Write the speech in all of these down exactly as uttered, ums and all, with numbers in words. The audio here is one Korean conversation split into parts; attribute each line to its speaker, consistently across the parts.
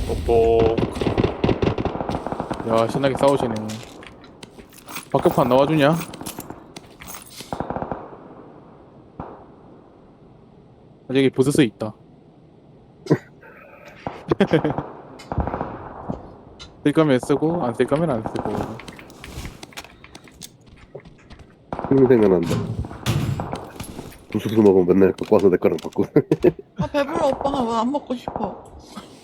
Speaker 1: 똑똑. 야, 신나게 싸우시네. 박격판 나와주냐? 아, 저기 부스스 있다. 쓸 거면 쓰고 안 쓸 거면 안 쓰고.
Speaker 2: 흥미 생각난다. 부스스 먹으면 맨날 갖고 와서 내 거랑 바꾸고.
Speaker 3: 아 배불러 오빠가 왜 안 먹고 싶어?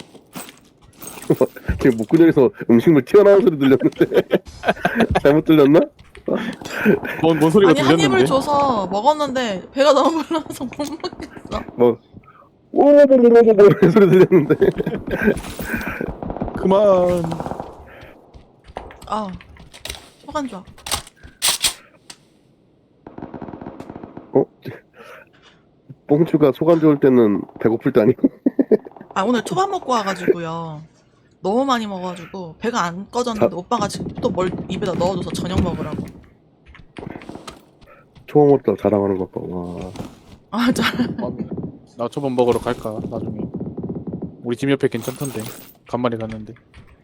Speaker 2: 지금 목구멍에서 음식물 튀어나오는 소리 들렸는데 잘못 들렸나?
Speaker 1: 뭔, 뭔 소리가
Speaker 3: 아니 한 입을
Speaker 1: 들렸는데?
Speaker 3: 줘서 먹었는데 배가 너무 불러서 못 먹겠어.
Speaker 2: 뭐 오오오오오오 소리 들렸는데.
Speaker 1: 그만.
Speaker 3: 아 소간 좋아.
Speaker 2: 어? 뽕추가 소감 좋을 때는 배고플 때 아니고?
Speaker 3: 아 오늘 초밥 먹고 와가지고요. 너무 많이 먹어가지고 배가 안 꺼졌는데
Speaker 2: 자-
Speaker 3: 오빠가 지금 또 뭘 입에다 넣어줘서 저녁 먹으라고.
Speaker 2: 초밥 먹다 자랑하는 것 봐. 와.
Speaker 3: 아 잘.
Speaker 1: 나 초밥 먹으러 갈까 나중에. 우리 집 옆에 괜찮던데. 간만에 갔는데.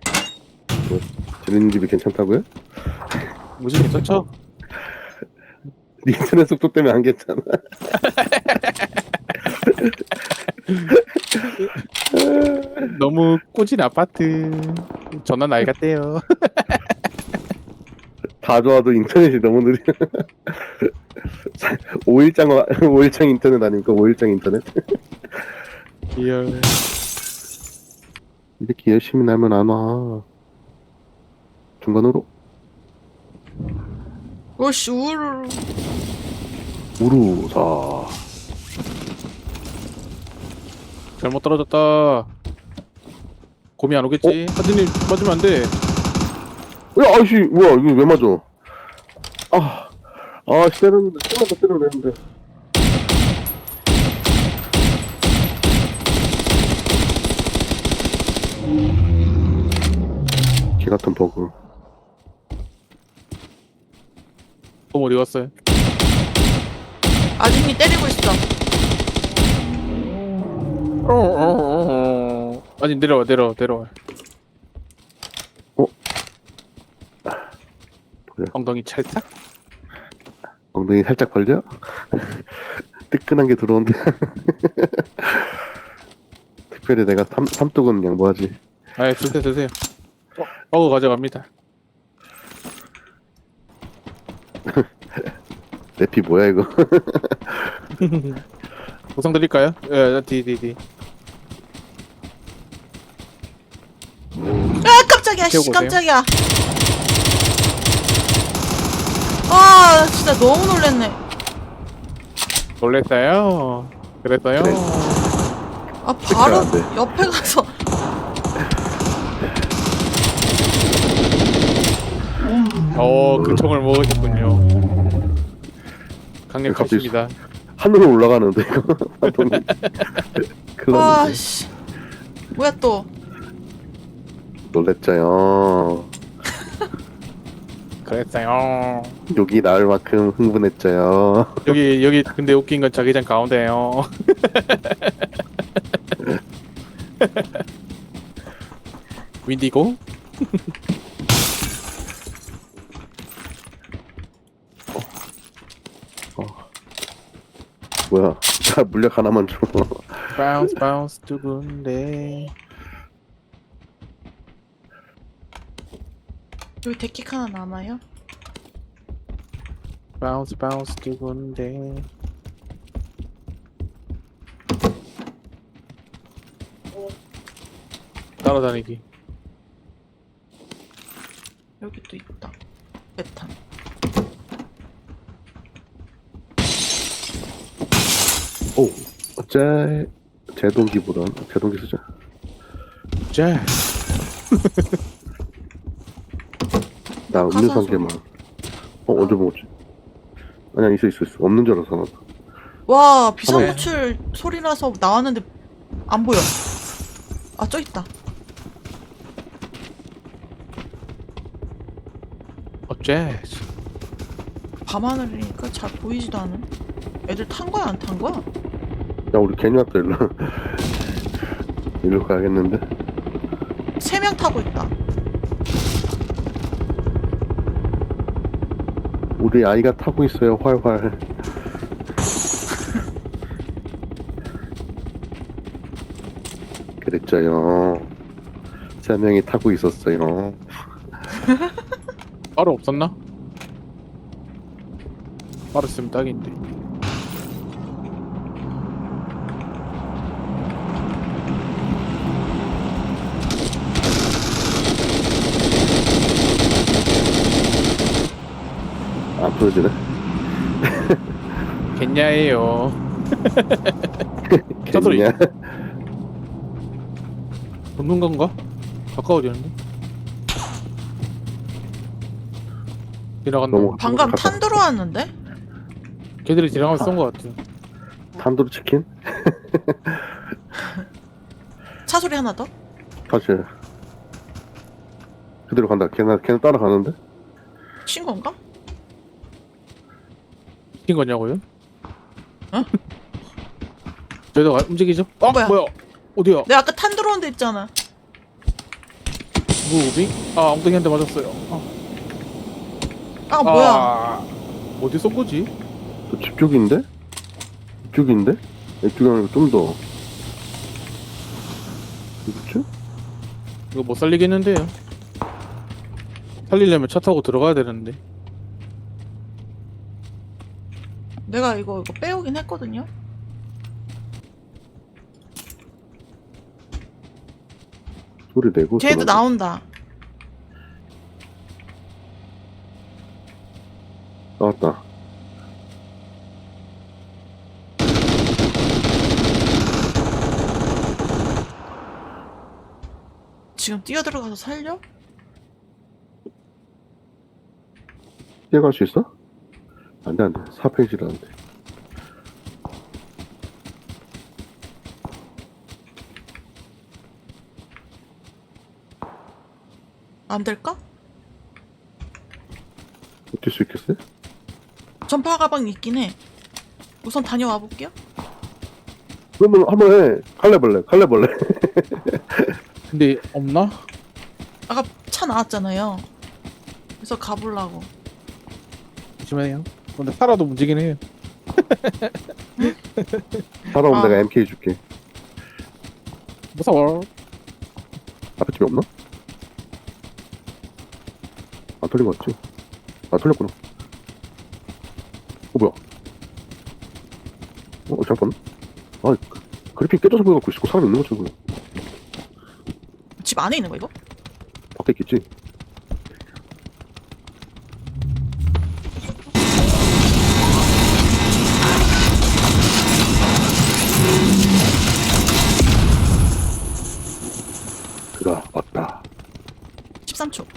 Speaker 2: 재밌는 집이 괜찮다고요?
Speaker 1: 무지 괜찮죠?
Speaker 2: 네 인터넷 속도 때문에 안 괜찮아.
Speaker 1: 너무 꼬진 아파트. 전화 나이 같대요.
Speaker 2: 다 좋아도 인터넷이 너무 느려. 오일장 오일장 인터넷 아닙니까? 오일장 인터넷.
Speaker 1: 리얼.
Speaker 2: 이렇게 열심히 나면 안 와. 중간으로
Speaker 3: 오씨 우르르.
Speaker 2: 우루사.
Speaker 1: 잘못 떨어졌다. 곰이 안 오겠지? 하드님 맞으면 안 돼.
Speaker 2: 야, 아이씨, 뭐야, 이거 왜 맞아? 아, 아, 씨, 때렸는데, 조금만 더 때려도 되는데. 개 같은 버그.
Speaker 1: 곰 어디 갔어요?
Speaker 3: 아진이 때리고 있어.
Speaker 1: 아니 내려와 내려와 내려와.
Speaker 2: 어? 그래.
Speaker 1: 엉덩이 찰싹?
Speaker 2: 엉덩이 살짝 벌려? 뜨끈한 게 들어온대. 특별히 내가 삼, 삼뚝은 양보하지.
Speaker 1: 아이 드세요 드세요. 어, 어그 가져갑니다.
Speaker 2: 내 피 뭐야, 이거?
Speaker 1: 보상 드릴까요? 예, 디디디.
Speaker 3: 아 깜짝이야 씨
Speaker 1: 태우고 오세요.
Speaker 3: 깜짝이야. 아 진짜 너무 놀랬네.
Speaker 1: 놀랬어요. 그랬어요.
Speaker 2: 그래.
Speaker 3: 아 바로
Speaker 2: 안 돼.
Speaker 3: 옆에 가서
Speaker 1: 어, 그 총을 먹으셨군요. 강력하십니다.
Speaker 2: 하늘로 올라가는데, 이거. fantom이. 큰일 났는데.
Speaker 3: 아씨 뭐야 또.
Speaker 2: 놀랬죠요.
Speaker 1: 그랬어요.
Speaker 2: 욕이 나올 만큼 흥분했죠요.
Speaker 1: 여기 여기 근데 웃긴 건 자기장 가운데요. 윈디고?
Speaker 2: 뭐야? 자, 물약 하나만 줘.
Speaker 1: 바운스 바운스 두근데.
Speaker 3: 여기 데킥 하나 남아요?
Speaker 1: 바운스 바운스 두근데. 따라다니기.
Speaker 3: 여기 또 있다. 메탄.
Speaker 2: 오, 어째 제동기보단 제동기 쓰자.
Speaker 1: 자.
Speaker 2: 나 음료수 한
Speaker 3: 가사소.
Speaker 2: 개만. 어, 언제 먹었지? 아니야, 있어, 있어, 있어. 없는 줄 알았어, 나.
Speaker 3: 와 비상구출 소리라서 나왔는데 안 보여. 아 저 있다.
Speaker 1: 어째?
Speaker 3: 밤하늘이니까 잘 보이지도 않은. 애들 탄 거야 안 탄 거야?
Speaker 2: 야, 우리 괜히 왔다, 일로. 일로 가야겠는데?
Speaker 3: 세 명 타고 있다.
Speaker 2: 우리 아이가 타고 있어요, 활활. 그랬죠요. 세 명이 타고 있었어요.
Speaker 1: 바로 없었나? 바로 있으면 딱인데.
Speaker 2: 안 보여지네.
Speaker 1: 겠냐예요. 차 소리.
Speaker 2: 겠냐?
Speaker 1: 붙는 건가? 가까워지는데? 지나간다.
Speaker 2: 너무
Speaker 3: 방금
Speaker 2: 가까-
Speaker 3: 탄 들어왔는데?
Speaker 1: 걔들이 지나가서 쏜거 같아.
Speaker 2: 탄두루 치킨?
Speaker 3: 차 소리 하나 더?
Speaker 2: 사실 그대로 간다. 걔는 걔는 따라가는데?
Speaker 3: 친 건가?
Speaker 1: 시킨 거냐고요?
Speaker 3: 어?
Speaker 1: 저희도 가- 움직이죠? 아
Speaker 3: 뭐야?
Speaker 1: 뭐야? 어디야?
Speaker 3: 내가 아까 탄 들어온 데 있잖아.
Speaker 1: 무빙? 아 엉덩이한테 맞았어요. 아,
Speaker 3: 아 뭐야?
Speaker 1: 아, 어디 쏜 거지?
Speaker 2: 저 집 쪽인데? 집 쪽인데? 이쪽이 아니고 좀 더. 그렇지?
Speaker 1: 이거 못 살리겠는데요? 살리려면 차 타고 들어가야 되는데.
Speaker 3: 내가 이거 이거 빼오긴 했거든요.
Speaker 2: 소리 내고.
Speaker 3: 쟤도
Speaker 2: 전화기.
Speaker 3: 나온다.
Speaker 2: 나왔다.
Speaker 3: 지금 뛰어 들어가서 살려?
Speaker 2: 뛰어갈 수 있어? 안돼 안돼. 사 페이지라는데.
Speaker 3: 안 될까?
Speaker 2: 뛸 수 있겠어요?
Speaker 3: 전파 가방 있긴 해. 우선 다녀와 볼게요.
Speaker 2: 그러면 한번 해. 칼레벌레 칼레벌레.
Speaker 1: 근데 없나?
Speaker 3: 아까 차 나왔잖아요. 그래서 가보려고.
Speaker 1: 조심해요. 근데 살아도 움직이긴 해요.
Speaker 2: 살아오면
Speaker 3: 아.
Speaker 2: 내가 엠케이 줄게.
Speaker 1: 무서워.
Speaker 2: 앞에 집에 없나? 안 털린 거 같지? 아 털렸구나. 어 뭐야? 어 잠깐. 아 그- 그래픽 깨져서 보여갖고 있고 사람 있는 것처럼 보여.
Speaker 3: 집 안에 있는 거 이거?
Speaker 2: 밖에 있겠지? 그가 왔다.
Speaker 3: 십삼 초.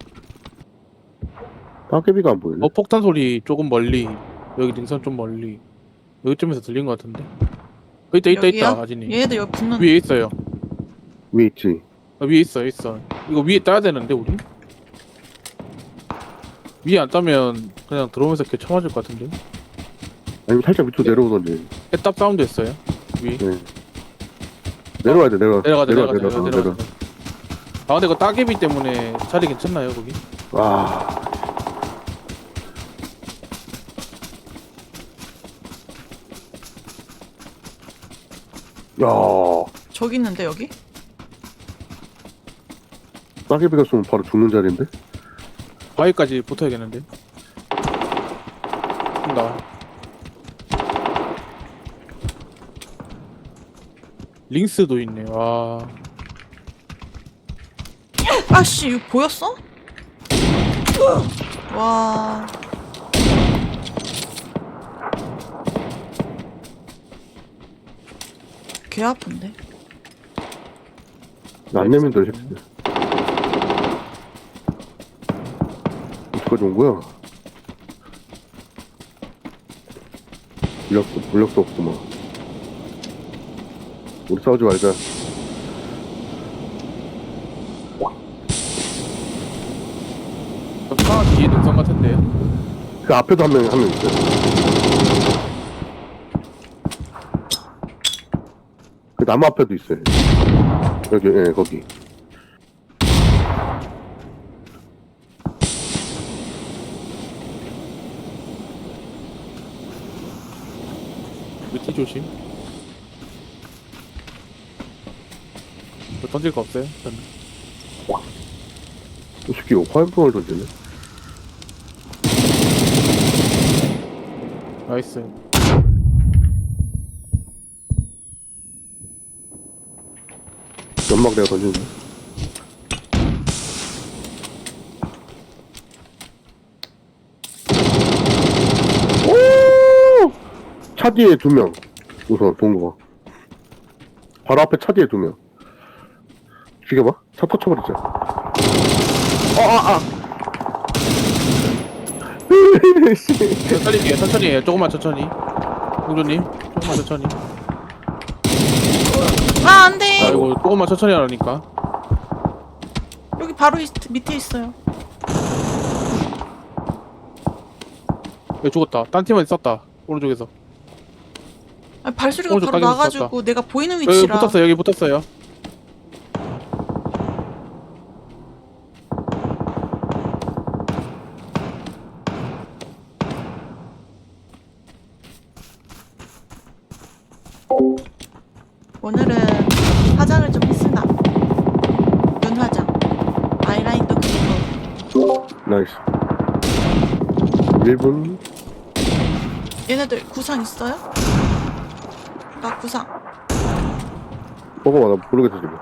Speaker 2: 따개비가 안 보이네.
Speaker 1: 어 폭탄 소리 조금 멀리. 여기 능선 좀 멀리. 여기쯤에서 들린 것 같은데. 어, 있다 있다
Speaker 3: 여기요?
Speaker 1: 있다 아진이.
Speaker 3: 얘네들 여기 붙는.
Speaker 1: 위에 있어요.
Speaker 2: 위에 있지.
Speaker 1: 아, 위에 있어 있어. 이거 위에 따야 되는데 우리? 위에 안 따면 그냥 들어오면서 걔 쳐맞을 것 같은데.
Speaker 2: 아니면 살짝 밑으로 내려오던지.
Speaker 1: 애답 사운드 했어요. 위.
Speaker 2: 네. 내려와야 돼 내려와.
Speaker 1: 내려가자
Speaker 2: 내려와
Speaker 1: 내려가자
Speaker 2: 내려와
Speaker 1: 내려가자.
Speaker 2: 내려와.
Speaker 1: 아 근데 이거 따개비 때문에 자리 괜찮나요 거기?
Speaker 2: 와. 야,
Speaker 3: 저기 있는데 여기?
Speaker 2: 따개비가 쏘면 바로 죽는 자리인데?
Speaker 1: 바위까지 붙어야겠는데. 나. 링스도 있네. 와.
Speaker 3: 아씨 이거 보였어? 와. 개 아픈데.
Speaker 2: 안 내면 돼, 새끼들. 어디까지 온 거야? 물력도, 물력도 없고, 막. 우리 싸우지 말자.
Speaker 1: 차 뒤에 능선 같은데.
Speaker 2: 그 앞에도 한 명, 한 명 있어요. 그 나무 앞에도 있어요. 여기, 예, 거기.
Speaker 1: 키 조심. 뭐 던질 거 없어요? 저는.
Speaker 2: 이 새끼 화염병을 던지네.
Speaker 1: 나이스.
Speaker 2: 연막 내가 던지네. 오! 차 뒤에 두 명. 우선 본 거. 바로 앞에 차 뒤에 두 명. 죽여봐. 차 터쳐버리자. 아, 아, 아.
Speaker 1: 천천히 해요, 천천히 해요. 조금만 천천히. 공주님, 조금만 천천히.
Speaker 3: 아, 안 돼!
Speaker 1: 아이고, 조금만 천천히 하라니까.
Speaker 3: 여기 바로 있, 밑에 있어요.
Speaker 1: 왜 죽었다. 딴 팀은 있었다. 오른쪽에서.
Speaker 3: 아, 발소리가
Speaker 1: 오른쪽
Speaker 3: 바로
Speaker 1: 따기는
Speaker 3: 나가지고
Speaker 1: 있었다.
Speaker 3: 내가 보이는
Speaker 1: 여기
Speaker 3: 위치라.
Speaker 1: 붙었어요, 여기 붙었어요.
Speaker 3: 오늘은 화장을 좀 했으나. 눈 화장. 아이라인도 그리고.
Speaker 2: 나이스. 일 분.
Speaker 3: 얘네들 구상 있어요? 나 구상.
Speaker 2: 먹어봐, 나 모르겠어, 지금.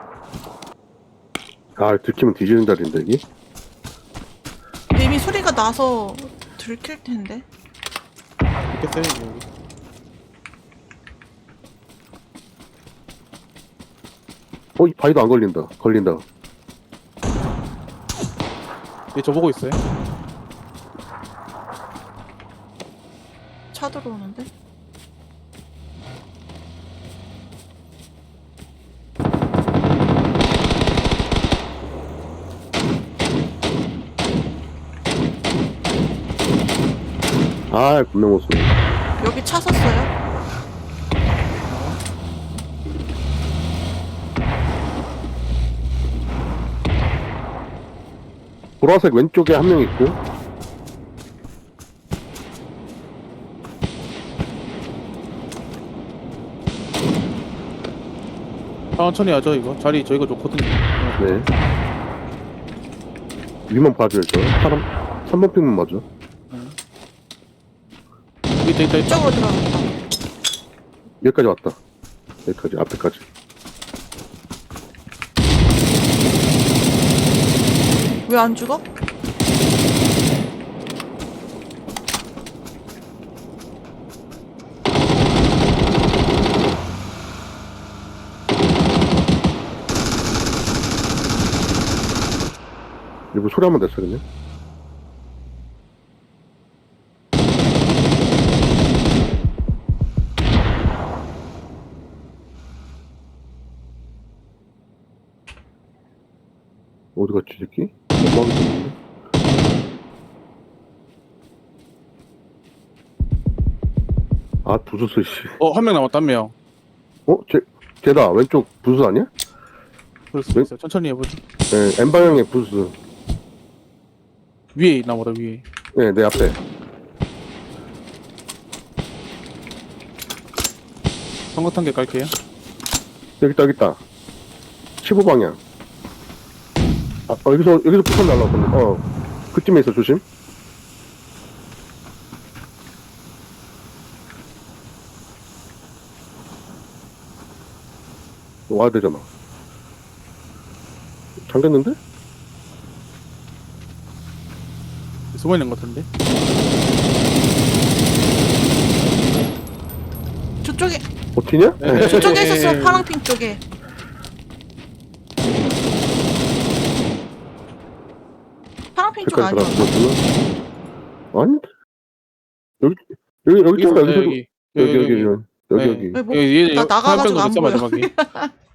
Speaker 2: 아, 들키면 뒤지는 자리인데, 여기?
Speaker 3: 이미 소리가 나서 들킬 텐데.
Speaker 1: 있겠어요, 여기.
Speaker 2: 어, 이 바위도 안 걸린다. 걸린다.
Speaker 1: 얘 저보고 있어요.
Speaker 3: 차 들어오는데?
Speaker 2: 아, 분명 못 쏘.
Speaker 3: 여기 차 섰어요?
Speaker 2: 보라색 왼쪽에 한 명 있고.
Speaker 1: 천천히 하죠, 이거. 자리 저희가 좋거든요.
Speaker 2: 네. 위만 봐줘야죠. 사람, 삼 번 핑만 맞아.
Speaker 1: 여기 있다, 있다, 있다.
Speaker 3: 이쪽으로 들어갔다.
Speaker 2: 여기까지 왔다. 여기까지, 앞에까지.
Speaker 3: 왜 안 죽어?
Speaker 2: 이거 소리 한번 냈어, 그냥. 어디 갔지, 이 새끼? 연막이 있는데? 아, 부수스, 씨.
Speaker 1: 어, 한 명 남았다, 한 명.
Speaker 2: 어? 쟤, 쟤다. 왼쪽 부수 아니야?
Speaker 1: 그럴 수
Speaker 2: 네?
Speaker 1: 있어요. 천천히 해보죠.
Speaker 2: 네, N방향의 부수.
Speaker 1: 위에 있나 보다, 위에.
Speaker 2: 네, 내 앞에.
Speaker 1: 성급한 게 깔게요.
Speaker 2: 여기 있다, 여기 있다. 십오 방향. 아, 어, 여기서, 여기서 폭탄 날라왔거든. 어. 그쯤에 있어, 조심. 와야 되잖아. 잠겼는데?
Speaker 1: 숨어 있는 것 같은데.
Speaker 3: 저쪽에
Speaker 2: 버티냐?
Speaker 1: 네.
Speaker 3: 저쪽에
Speaker 1: 에,
Speaker 3: 있었어.
Speaker 1: 에,
Speaker 3: 파랑핑 쪽에. 파랑핑 쪽
Speaker 2: 색깔
Speaker 3: 아니야?
Speaker 2: 들어갔구나. 아니? 여기, 여기, 여기 있잖아,
Speaker 1: 여기,
Speaker 2: 여기.
Speaker 1: 여기,
Speaker 2: 여기, 여기, 여기, 여기,
Speaker 1: 네.
Speaker 2: 여기.
Speaker 3: 왜 뭐,
Speaker 1: 여기, 얘,
Speaker 3: 나
Speaker 1: 여기
Speaker 3: 나가가지고
Speaker 1: 화염병도
Speaker 3: 안
Speaker 1: 있어,
Speaker 3: 보여.
Speaker 1: 마지막에.